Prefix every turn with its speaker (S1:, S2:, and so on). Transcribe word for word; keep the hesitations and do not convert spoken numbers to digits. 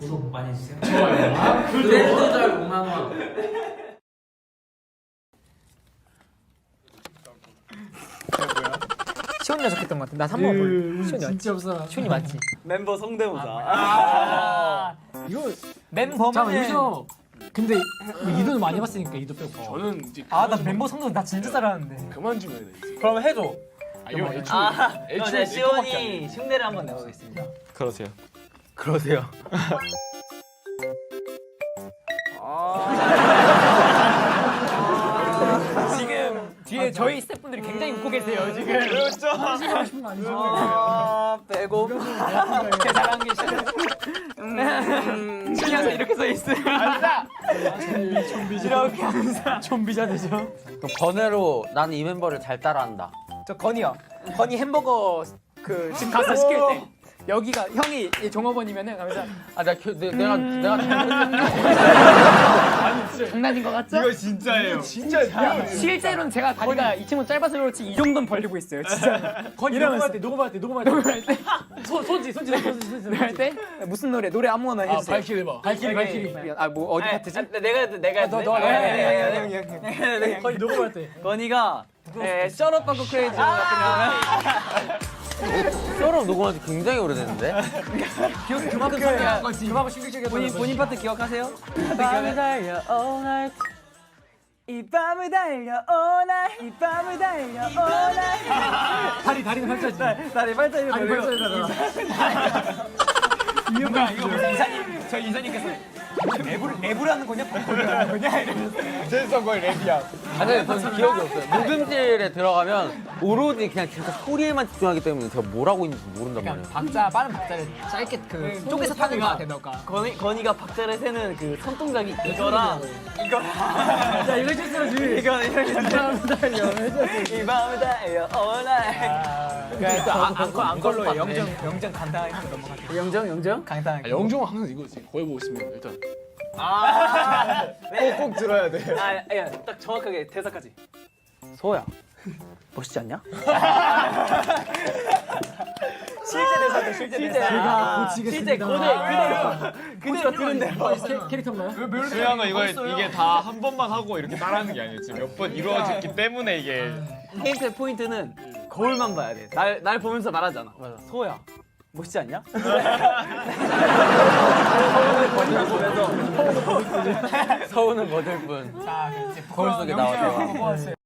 S1: 구독 많이 해주세요.
S2: 좋아요. 아,
S1: 구독자 오만 원.
S3: 시온이 적했던 것 같아. 나 삼 번 볼래. 시온이 맞지?
S2: 진짜 없어.
S3: 시온이 맞지?
S4: 멤버 성대모사.
S3: 아,
S2: 이거
S3: 멤버면.
S2: 잠깐 여기서 근데 이도는 많이 봤으니까 이도 빼고.
S5: 저는 이제
S3: 아, 나 멤버 성도 나 진짜 잘하는데.
S5: 그만 좀 해야 돼 이제.
S4: 그럼 해줘.
S5: 아 이거 애초에
S4: 아, 그럼
S5: 애초에
S4: 제가
S5: 내
S4: 시온이
S5: 거밖에 안 돼.
S4: 흉내를 한번 내보겠습니다.
S5: 그러세요.
S4: 그러세요.
S3: 지금 뒤에 저희 스태프분들이 굉장히 웃고 계세요. 지금.
S4: 그렇죠.
S2: 하고 싶은 거 아니죠?
S4: 아, 빼고.
S3: 제 잘한 게 싫어. 신경서 이렇게 써 있어요. 앉아. 이렇게 항상 좀비자 되죠.
S4: 그 번외로 나는 이 멤버를 잘 따라한다.
S3: 저 건이요. 건이 햄버거 그 집 가서 시킬 때 여기가 형이 이 종업원이면은 가면서
S4: 아, 내가 겨- 내, 내가 내가
S3: 장난인 것 같죠?
S5: 이거 진짜예요. 진짜 이거
S3: 실제로는 제가 다리가 이 친구 짧아서 그렇지 이 정도는 벌리고 있어요. 진짜.
S2: 건이 녹음할 때 녹음할 때 녹음할 때 녹음할 때 손지 손지 손지 손지
S3: 할 때 무슨 노래 노래 아무거나
S5: 아
S3: 해주세요.
S5: 발키리 해봐.
S2: 발키리 발키리.
S3: 아 뭐 어디 파트지?
S4: 내가 해도 내가 해도
S3: 너, 너, 너,
S4: 네,
S2: 건이 녹음할 때.
S4: 건이가 에 셔럿 빵꾸 크레이지 같은 셔럿 녹음한 지 굉장히 오래됐는데.
S3: 기억이 그만큼 상한 거지.
S2: 그만큼 충격적이었던
S4: 본인
S2: 거지.
S4: 본인 파트 기억하세요? 밤을 달려 all night. 이 밤을 달려 all night. 이 밤을 달려 all night.
S2: 다리 다리는 팔자지.
S4: 다리 발자국
S2: 다리
S4: 돌려.
S2: 팔자잖아.
S3: 이유가 이거 무슨 이사님 저희 이사님께서 랩을 랩을 하는 거냐? 팝을 거냐? 이러면서
S5: 제일성 거의 랩이야.
S4: 아니 저는 기억이 없어요. 녹음실에 들어가면 오로지 그냥 진짜 소리에만 집중하기 때문에 제가 뭘 하고 있는지 모른단 말이에요.
S3: 박자 빠른 박자를 짧게 그 쪼개서 타는 거 같아 너가.
S4: 건이 건이가 박자를 세는 그 손동작이 이거랑 이거랑
S2: 야 이거 실수지.
S4: 이거 이거 이 밤을 달려 all night.
S3: 그러니까 또 안- 안걸 안걸로 영정 영정 간단하게 하고 넘어가죠.
S4: 영정 영정?
S3: 간단하게.
S5: 아, 영종은 항상 이거지. 거의 보고 있으면 일단
S4: 아, 네.
S5: 꼭 들어야 돼.
S4: 아, 야, 딱 정확하게 대사까지. 소야, 멋있지 않냐?
S3: 실제 대사죠 실제 대사.
S2: 제가 고치겠습니다.
S4: 실제 그대 그대로 그대로 들은 대로.
S2: 캐- 캐릭터인가요?
S5: 중요한 건 이거 이게 다 한 번만 하고 이렇게 따라하는 게 아니에요. 지금 몇 번 이루어졌기 때문에 이게
S4: 힌트 포인트는 거울만 봐야 돼. 날 날 보면서 말하잖아. 맞아. 소야, 멋있지 않냐? 서운은 거들 뿐.
S3: 자, 이제
S4: 거울 속에 나와서.
S3: 영정 하고 뭐 하세요?